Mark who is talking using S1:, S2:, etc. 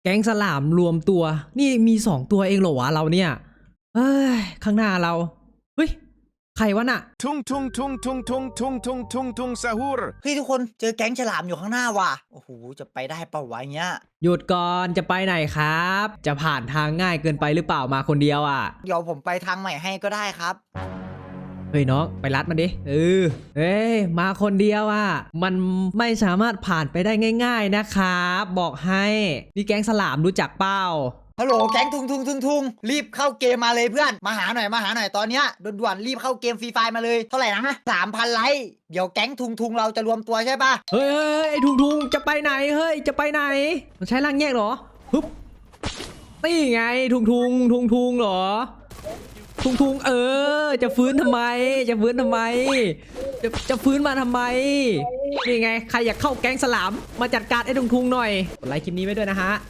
S1: แก๊งสลามรวมตัวนี่มี2 ตัวเองเหรอวะเราเนี่ยเอ้ยข้างหน้าเราเฮ้ยใครวะน่ะ
S2: Tung tung tung tung tung tung tung tung tung sahur
S3: เฮ้ยทุกคนเจอแก๊งฉลามอยู่ข้างหน้าว่ะโอ้โหจะไปได้เปล่าวะเงี้ย
S1: หยุดก่อนจะไปไหนครับ จะผ่านทางง่ายเกินไปหรือเปล่ามาคนเดียวอ่ะ
S3: เดี๋ยวผมไปทางใหม่ให้ก็ได้ครับ
S1: เฮ้ยน้องไปรัดมันดิเฮ้ยมาคนเดียวอ่ะมันไม่สามารถผ่านไปได้ง่ายๆนะครับบอกให้นี่แก๊งสลามรู้จักเปล่า
S3: ฮัลโหลแก๊งทุงรีบเข้าเกมมาเลยเพื่อนมาหาหน่อยตอนเนี้ยด่วนๆรีบเข้าเกมฟรีไฟมาเลยเท่าไหร่นะ3,000 ไลค์เดี๋ยวแก๊งทุงเราจะรวมตัวใช่ปะ
S1: เฮ้ยไอ้ทุงจะไปไหนเฮ้ยจะไปไหนมันใช้ร่างแยกเหรอฮึบนี่ไงทุงเหรอทุงจะฟื้นทำไมจะฟื้นทำไมจะฟื้นมาทำไมนี่ไงใครอยากเข้าแก๊งสลามมาจัดการไอ้ทุงหน่อยกดไลค์คลิปนี้ไว้ด้วยนะฮะ